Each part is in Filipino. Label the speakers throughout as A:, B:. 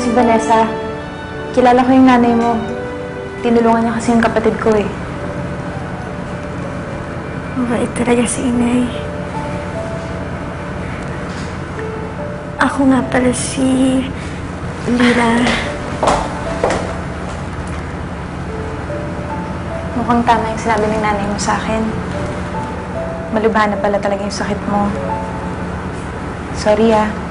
A: si Vanessa. Kilala ko yung nanay mo. Tinulungan niya kasi yung kapatid ko eh.
B: Mabait talaga si Inay. Ako nga pala si Lira.
A: Mukhang tama yung sinabi ng nanay mo sa akin. Malubha na pala talaga yung sakit mo. Sorry ah.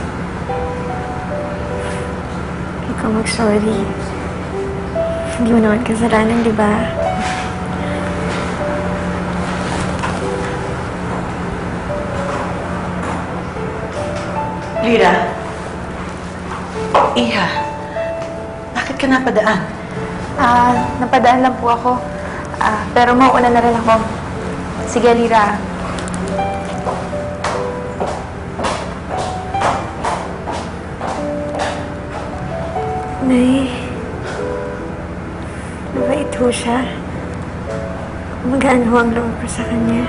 B: Ikaw mag-sorry. Hindi mo naman kasalanan, di ba?
C: Lira. Iha. Bakit ka napadaan?
A: Napadaan lang po ako. Pero mauuna na rin ako. Sige, Lira.
B: Nay, mabait ho siya. Magaan ho ang loob ko sa kanya.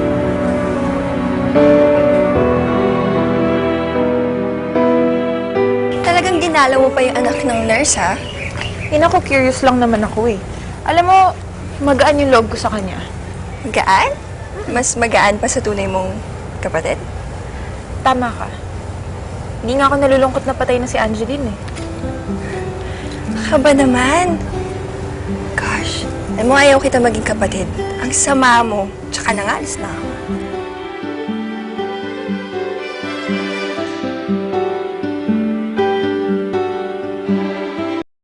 D: Talagang ginalaw mo pa yung anak ng nurse, ha?
E: Ako, curious lang naman ako eh. Alam mo, magaan yung loob ko sa kanya.
D: Magaan? Mas magaan pa sa tunay mong kapatid?
E: Tama ka. Hindi nga ako nalulungkot na patay na si Angeline eh.
D: Kaba naman. Gosh, alam mo, ayaw kita maging kapatid. Ang sama mo. Tsaka nang alis na ako.